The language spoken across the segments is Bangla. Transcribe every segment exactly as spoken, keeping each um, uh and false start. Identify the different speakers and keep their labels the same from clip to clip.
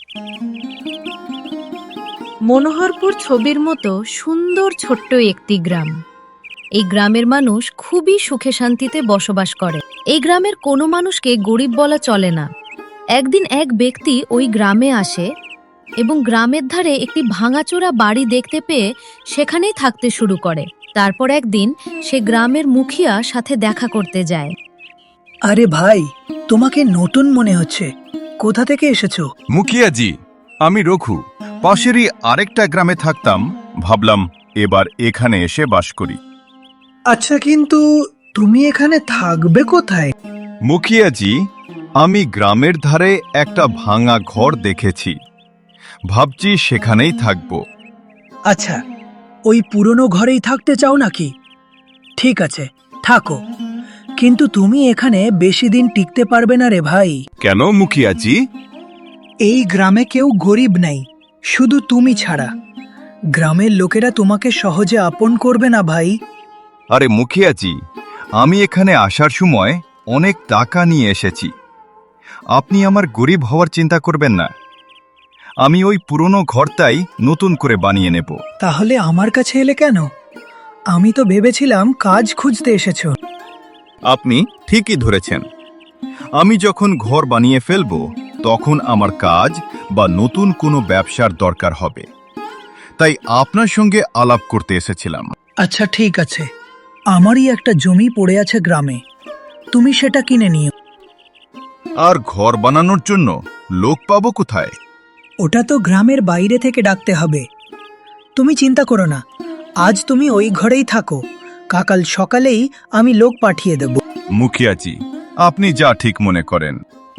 Speaker 1: মনোহরপুর ছবির মতো সুন্দর ছোট্ট একটি গ্রাম। এই গ্রামের মানুষ খুবই সুখে শান্তিতে বসবাস করে। এই গ্রামের কোনো মানুষকে গরিব বলা চলে না। একদিন এক ব্যক্তি ওই গ্রামে আসে এবং গ্রামের ধারে একটি ভাঙাচোরা বাড়ি দেখতে পেয়ে সেখানেই থাকতে শুরু করে। তারপর একদিন সে গ্রামের মুখিয়া সাথে দেখা করতে যায়।
Speaker 2: আরে ভাই, তোমাকে নতুন মনে হচ্ছে, কোথা থেকে এসেছো?
Speaker 3: মুখিয়াজি, আমি রঘু। পাশেরই আরেকটা গ্রামে থাকতাম, ভাবলাম এবার এখানে এসে বাস করি।
Speaker 2: আচ্ছা, কিন্তু তুমি এখানে থাকবে কোথায়?
Speaker 3: মুখিয়াজি, আমি গ্রামের ধারে একটা ভাঙা ঘর দেখেছি, ভাবছি সেখানেই থাকব।
Speaker 2: আচ্ছা, ওই পুরনো ঘরেই থাকতে চাও নাকি? ঠিক আছে, থাকো, কিন্তু তুমি এখানে বেশি দিন টিকতে পারবে না রে ভাই।
Speaker 3: কেন মুখিয়াজি?
Speaker 2: এই গ্রামে কেউ গরিব নেই, শুধু তুমি ছাড়া। গ্রামের লোকেরা তোমাকে সহজে আপন করবে না ভাই।
Speaker 3: আরে মুখিয়াজি, আমি এখানে আসার সময় অনেক টাকা নিয়ে এসেছি, আপনি আমার গরিব হওয়ার চিন্তা করবেন না। আমি ওই পুরনো ঘরটাই নতুন করে বানিয়ে নেব।
Speaker 2: তাহলে আমার কাছে এলে কেন? আমি তো ভেবেছিলাম কাজ খুঁজতে এসেছো।
Speaker 3: আপনি ঠিকই ধরেছেন। আমি যখন ঘর বানিয়ে ফেলব তখন আমার কাজ বা নতুন কোনো ব্যবসার দরকার হবে, তাই আপনার সঙ্গে আলাপ করতে এসেছিলাম।
Speaker 2: আচ্ছা ঠিক আছে, আমারই একটা জমি পড়ে আছে গ্রামে, তুমি সেটা কিনে নিও।
Speaker 3: আর ঘর বানানোর জন্য লোক পাবো কোথায়?
Speaker 2: ওটা তো গ্রামের বাইরে থেকে ডাকতে হবে। তুমি চিন্তা করো না, আজ তুমি ওই ঘরেই থাকো, কাল সকালেই আমি লোক পাঠিয়ে দেব।
Speaker 3: মুখিয়াজি, আপনি যা ঠিক মনে করেন।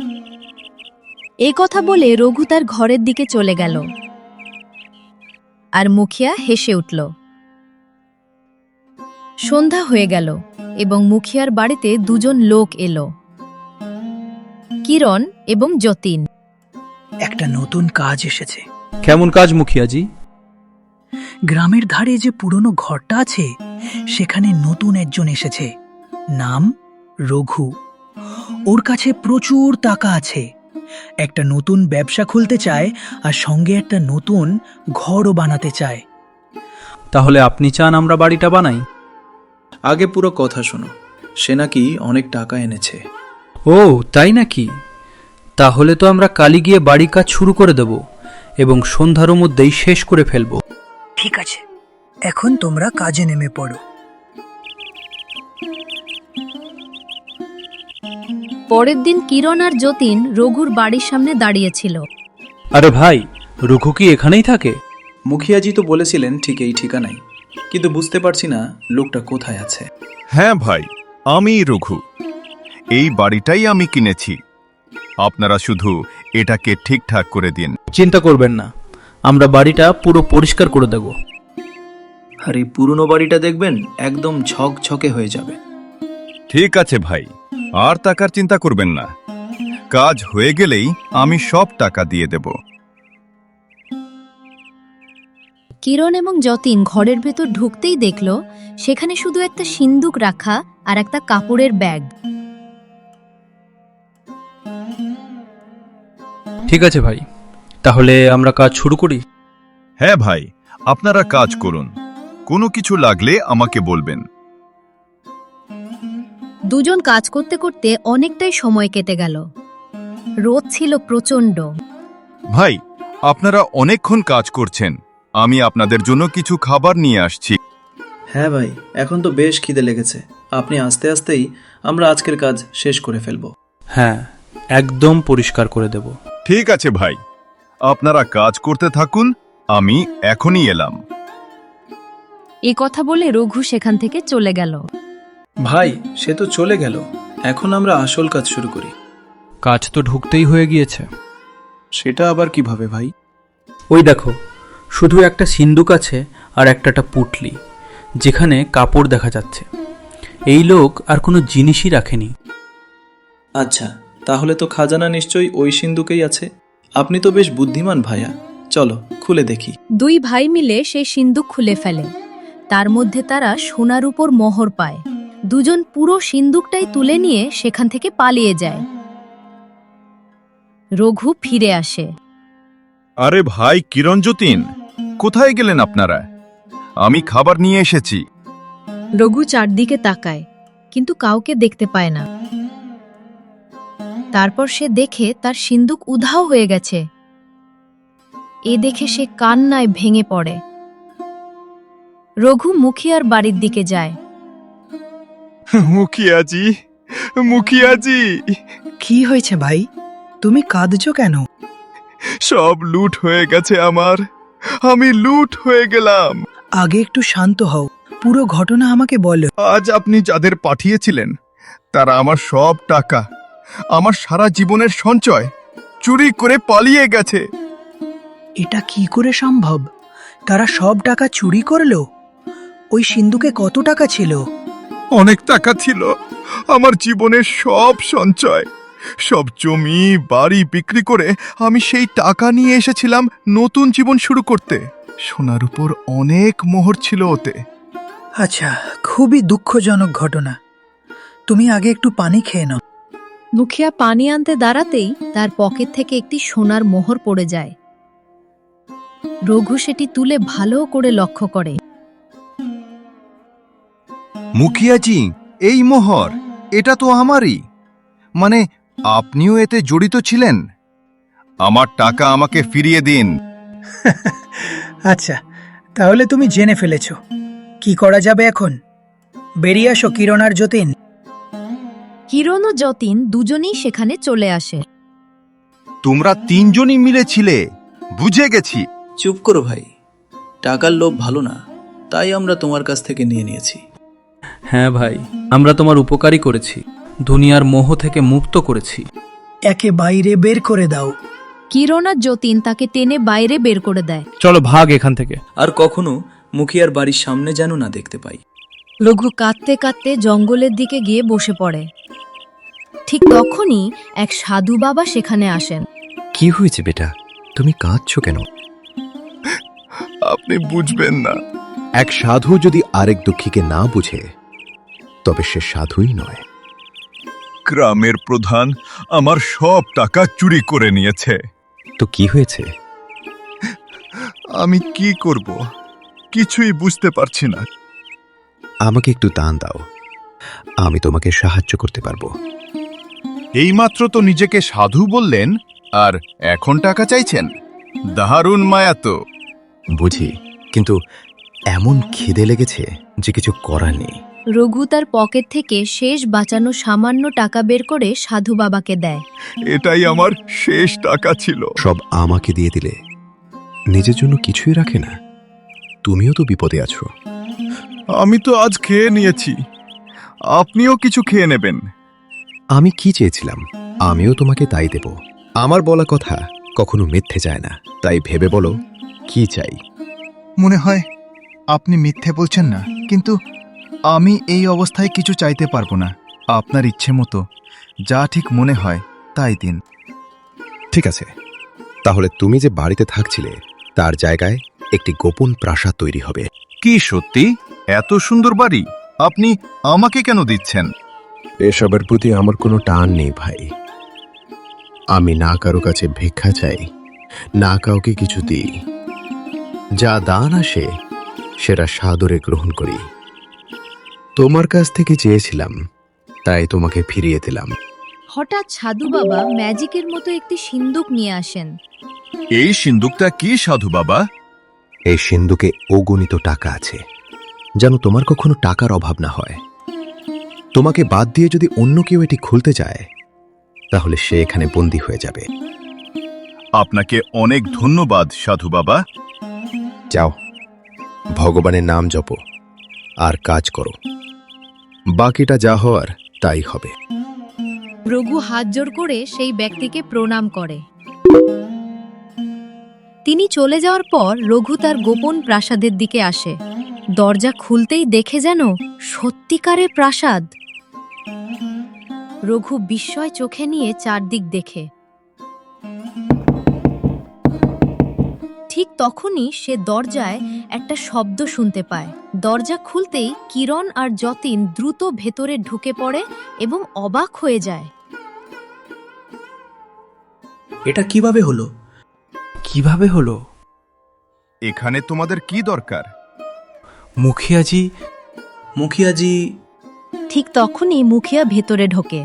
Speaker 1: এই কথা বলে রঘু তার ঘরের দিকে চলে গেল। আর মুখিয়া হেসে উঠল। সন্ধ্যা হয়ে গেল এবং মুখিয়ার বাড়িতে দুজন লোক এলো, কিরণ এবং যতীন।
Speaker 2: একটা নতুন কাজ এসেছে।
Speaker 4: কেমন কাজ মুখিয়াজি?
Speaker 2: গ্রামের ধারে যে পুরনো ঘরটা আছে সেখানে নতুন একজন এসেছে, নাম রঘু। ওর কাছে প্রচুর টাকা আছে, একটা নতুন ব্যবসা খুলতে চায় আর সঙ্গে একটা নতুন ঘরও বানাতে চায়।
Speaker 4: তাহলে আপনি চান আমরা বাড়িটা বানাই?
Speaker 5: আগে পুরো কথা শোনো, সে নাকি অনেক টাকা এনেছে।
Speaker 4: ও তাই নাকি? তাহলে তো আমরা কালই গিয়ে বাড়ি কাজ শুরু করে দেব এবং সন্ধ্যার মধ্যেই শেষ করে ফেলব।
Speaker 2: ঠিক আছে, এখন তোমরা কাজে নেমে পড়ো।
Speaker 1: পরের দিন কিরণ আর যতীন রঘুর বাড়ির সামনে দাঁড়িয়েছিল।
Speaker 4: আরে ভাই, রঘু কি এখানেই থাকে?
Speaker 5: মুখিয়াজি তো বলেছিলেন ঠিক এই ঠিকানাই, কিন্তু বুঝতে পারছি না লোকটা কোথায় আছে।
Speaker 3: হ্যাঁ ভাই, আমি রঘু। এই বাড়িটাই আমি কিনেছি, আপনারা শুধু এটাকে ঠিকঠাক করে দিন।
Speaker 4: চিন্তা করবেন না, আমরা বাড়িটা পুরো পরিষ্কার করে দেব।
Speaker 5: আর এই পুরনো বাড়িটা দেখবেন একদম ঝকঝকে হয়ে যাবে।
Speaker 3: ঠিক আছে ভাই, আর টাকার চিন্তা করবেন না, কাজ হয়ে গেলেই আমি সব টাকা দিয়ে দেব।
Speaker 1: কিরণ এবং যতীন ঘরের ভেতর ঢুকতেই দেখল সেখানে শুধু একটা সিন্দুক রাখা আর একটা কাপড়ের ব্যাগ।
Speaker 4: ঠিক আছে ভাই, তাহলে আমরা কাজ শুরু করি।
Speaker 3: হ্যাঁ ভাই, আপনারা কাজ করুন, কোনো কিছু লাগলে আমাকে বলবেন।
Speaker 1: দুজন কাজ করতে করতে অনেকটাই সময় কেটে গেল। রোদ ছিল প্রচণ্ড।
Speaker 3: ভাই, আপনারা অনেকক্ষণ কাজ করছেন, আমি আপনাদের জন্য কিছু খাবার নিয়ে আসছি।
Speaker 5: হ্যাঁ ভাই, এখন তো বেশ খিদে লেগেছে, আপনি আস্তে আস্তেই আমরা আজকের কাজ শেষ করে ফেলব।
Speaker 4: হ্যাঁ, একদম পরিষ্কার করে দেব।
Speaker 3: ঠিক আছে ভাই, আপনারা কাজ করতে থাকুন, আমি এখনই এলাম।
Speaker 1: এ কথা বলে রঘু সেখান থেকে চলে গেল।
Speaker 5: ভাই, সে তো চলে গেল, এখন আমরা আসল কাজ শুরু করি।
Speaker 4: কাজ তো ঢুকতেই হয়ে গিয়েছে।
Speaker 5: সেটা আবার কিভাবে ভাই?
Speaker 4: ওই দেখো, শুধু একটা সিন্দুক আছে আর একটা পুটলি, যেখানে কাপড় দেখা যাচ্ছে। এই লোক আর কোনো জিনিসই রাখেনি।
Speaker 5: আচ্ছা, তাহলে তো খাজানা নিশ্চয়ই ওই সিন্ধুকেই আছে। আপনি তো বেশ বুদ্ধিমান ভাইয়া, চলো খুলে দেখি।
Speaker 1: দুই ভাই মিলে সেই সিন্দুক খুলে ফেলে। তার মধ্যে তারা সোনার উপর মোহর পায়। দুজন পুরো সিন্দুকটাই তুলে নিয়ে সেখান থেকে পালিয়ে যায়। রঘু ফিরে আসে।
Speaker 3: আরে ভাই কিরণ যতীন, কোথায় গেলেন আপনারা? আমি খাবার নিয়ে এসেছি।
Speaker 1: রঘু চারদিকে তাকায় কিন্তু কাউকে দেখতে পায় না। তারপর সে দেখে তার সিন্দুক উধাও হয়ে গেছে। এ দেখে সে কান্নায় ভেঙে পড়ে। রঘু মুখিয়ার বাড়ির দিকে যায়।
Speaker 3: মুখিয়াজি, মুখিয়াজি,
Speaker 2: কি হয়েছে ভাই? তুমি কাঁদছো কেন?
Speaker 3: সব লুট হয়ে গেছে আমার। আমি লুট হয়ে গেলাম।
Speaker 2: আগে একটু শান্ত হও, পুরো ঘটনা আমাকে বলো।
Speaker 3: আজ আপনি যাদের পাঠিয়েছিলেন তারা আমার সব টাকা, আমার সারা জীবনের সঞ্চয় চুরি করে পালিয়ে গেছে।
Speaker 2: এটা কি করে সম্ভব? তারা সব টাকা চুরি করলো? ওই সিন্ধুকে কত টাকা ছিল?
Speaker 3: অনেক টাকা ছিল। আমার জীবনের সব সঞ্চয়, সব জমি বাড়ি বিক্রি করে আমি সেই টাকা নিয়ে এসেছিলাম নতুন জীবন শুরু করতে। সোনার উপর অনেক মোহর ছিল ওতে।
Speaker 2: আচ্ছা, খুবই দুঃখজনক ঘটনা। তুমি আগে একটু পানি খেয়ে নাও।
Speaker 1: মুখিয়া পানি আনতে দাঁড়াতেই তার পকেট থেকে একটি সোনার মোহর পড়ে যায়। রঘু সেটি তুলে ভালো করে লক্ষ্য করে।
Speaker 3: মুখিয়াজি, এই মোহর, এটা তো আমারই। মানে আপনিও এতে জড়িত ছিলেন? আমার টাকা আমাকে ফিরিয়ে দিন।
Speaker 2: আচ্ছা, তাহলে তুমি জেনে ফেলেছো। কি করা যাবে এখন? বেরিয়ে আসো কিরণ আর যতীন।
Speaker 1: কিরণ ও যতীন দুজনেই সেখানে চলে আসে।
Speaker 3: তোমরা তিনজনই মিলেছিলে, বুঝে গেছি।
Speaker 5: চুপ করো ভাই, টাকার লোভ ভালো না, তাই আমরা তোমার কাছ থেকে নিয়ে নিয়েছি।
Speaker 4: হ্যাঁ ভাই, আমরা তোমার উপকারই করেছি, দুনিয়ার মোহ থেকে মুক্ত করেছি।
Speaker 2: একে বাইরে বের করে দাও।
Speaker 1: কিরণ আর যতীন তাকে টেনে বাইরে বের করে দেয়।
Speaker 4: চলো ভাগ এখান থেকে।
Speaker 5: আর কখনো মুখিয়ার বাড়ির সামনে যেন না দেখতে পাই।
Speaker 1: রঘু কাঁদতে কাঁদতে জঙ্গলের দিকে গিয়ে বসে পড়ে। ঠিক তখনই এক সাধু বাবা সেখানে আসেন।
Speaker 6: কি হয়েছে বেটা, তুমি কাঁদছো কেন?
Speaker 3: আপনি বুঝবেন না।
Speaker 6: এক সাধু যদি আরেক দুঃখীকে না বুঝে তবে সে সাধুই নয়।
Speaker 3: গ্রামের প্রধান আমার সব টাকা চুরি করে নিয়েছে।
Speaker 6: তো কি হয়েছে?
Speaker 3: আমি কি করব কিছুই বুঝতে পারছি না।
Speaker 6: আমাকে একটু দান দাও, আমি তোমাকে সাহায্য করতে পারবো।
Speaker 3: এইমাত্র তো নিজেকে সাধু বললেন, আর এখন টাকা চাইছেন? দারুণ মায়া তো।
Speaker 6: বুঝি, কিন্তু এমন খিদে লেগেছে যে কিছু করার নেই।
Speaker 1: রঘু তার পকেট থেকে শেষ বাঁচানো সামান্য টাকা বের করে সাধু বাবাকে দেয়।
Speaker 3: এটাই আমার শেষ টাকা ছিল।
Speaker 6: সব আমাকে দিয়ে দিলে, নিজের জন্য কিছুই রাখে না। তুমিও তো বিপদে আছো।
Speaker 3: আমি তো আজ খেয়ে নিয়েছি, আপনিও কিছু খেয়ে নেবেন।
Speaker 6: আমি কি চেয়েছিলাম, আমিও তোমাকে তাই দেব। আমার বলা কথা কখনো মিথ্যে যায় না, তাই ভেবে বলো কি চাই।
Speaker 3: মনে হয় আপনি মিথ্যে বলছেন না, কিন্তু আমি এই অবস্থায় কিছু চাইতে পারবো না। আপনার ইচ্ছে মতো যা ঠিক মনে হয় তাই দিন।
Speaker 6: ঠিক আছে, তাহলে তুমি যে বাড়িতে থাকছিলে তার জায়গায় একটি গোপন প্রাসাদ তৈরি হবে।
Speaker 3: কি সত্যি? এত সুন্দর বাড়ি আপনি আমাকে কেন দিচ্ছেন?
Speaker 6: এসবের প্রতি আমার কোনো টান নেই ভাই। আমি না কারো কাছে ভিক্ষা চাই, না কাউকে কিছু দিই। যা দান আসে সেটা সাদরে গ্রহণ করি। তোমার কাছ থেকে চেয়েছিলাম, তাই তোমাকে ফিরিয়ে দিলাম।
Speaker 1: হঠাৎ সাধু বাবা ম্যাজিকের মতো একটি সিন্দুক নিয়ে আসেন।
Speaker 3: এই সিন্দুকটা কি সাধু বাবা?
Speaker 6: এই সিন্ধুকে অগণিত টাকা আছে, যেন তোমার কখনো টাকার অভাব না হয়। তোমাকে বাদ দিয়ে যদি অন্য কেউ এটি খুলতে যায় তাহলে সে এখানে বন্দী হয়ে যাবে।
Speaker 3: আপনাকে অনেক ধন্যবাদ সাধু বাবা।
Speaker 6: যাও, ভগবানের নাম জপো আর কাজ করো, বাকিটা যা হওয়ার তাই হবে।
Speaker 1: রঘু হাত জোড় করে সেই ব্যক্তিকে প্রণাম করে। তিনি চলে যাওয়ার পর রঘু তার গোপন প্রাসাদের দিকে আসে। দরজা খুলতেই দেখে যেন সত্যিকারের প্রাসাদ। রঘু বিস্ময় চোখে নিয়ে চারদিক দেখে। ঠিক তখনই সে দরজায় একটা শব্দ শুনতে পায়। দরজা খুলতেই কিরণ আর যতীন দ্রুত ভেতরে ঢুকে পড়ে এবং অবাক হয়ে যায়।
Speaker 5: এটা কিভাবে হলো?
Speaker 4: কিভাবে হলো?
Speaker 3: এখানে তোমাদের কি দরকার?
Speaker 4: মুখিয়াজি
Speaker 5: মুখিয়াজি,
Speaker 1: ঠিক তখনই মুখিয়া ভেতরে ঢোকে।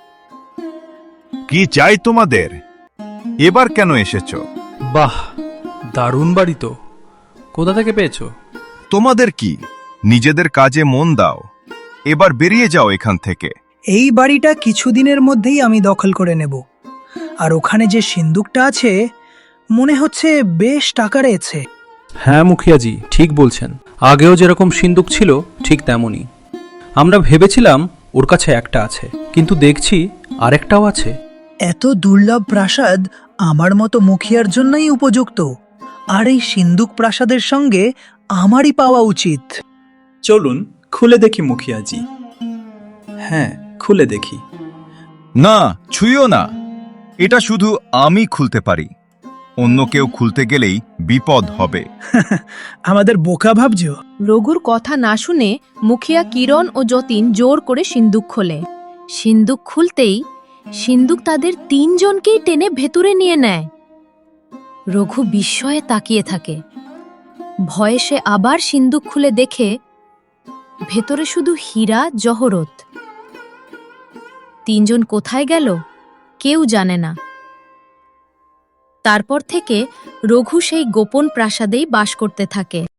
Speaker 3: কি চাই তোমাদের? এবার কেন এসেছো?
Speaker 4: বাহ, দারুণ বাড়ি তো। কোথা থেকে পেয়েছো?
Speaker 3: তোমাদের কি? নিজেদের কাজে মন দাও। এবার বেরিয়ে যাও এখান থেকে।
Speaker 2: এই বাড়িটা কিছুদিনের মধ্যেই আমি দখল করে নেব। আর ওখানে যে সিন্দুকটা আছে মনে হচ্ছে বেশ টাকা রয়েছে।
Speaker 4: হ্যাঁ মুখিয়াজি, ঠিক বলছেন। আগেও যেরকম সিন্দুক ছিল ঠিক তেমনই। আমরা ভেবেছিলাম ওর কাছে একটা আছে, কিন্তু দেখছি আরেকটাও আছে।
Speaker 2: এত দুর্লভ প্রাসাদ আমার মতো মুখিয়ার জন্যই উপযুক্ত। আর এই সিন্দুক প্রাসাদের সঙ্গে আমারই পাওয়া উচিত।
Speaker 5: চলুন খুলে দেখি মুখিয়াজি। হ্যাঁ, খুলে দেখি।
Speaker 3: না, ছুঁয়ো না। এটা শুধু আমি খুলতে পারি। অন্য কেউ খুলতে গেলেই বিপদ হবে।
Speaker 2: আমাদের বোকা ভাবছো?
Speaker 1: রঘুর কথা না শুনে মুখিয়া কিরণ ও যতীন জোর করে সিন্দুক খোলে। সিন্দুক খুলতেই সিন্দুক তাদের তিনজনকেই টেনে ভেতরে নিয়ে নেয়। রঘু বিস্ময়ে তাকিয়ে থাকে। ভয়ে সে আবার সিন্দুক খুলে দেখে ভেতরে শুধু হীরা জহরত। তিনজন কোথায় গেল কেউ জানে না। তারপর থেকে রঘু সেই গোপন প্রাসাদেই বাস করতে থাকে।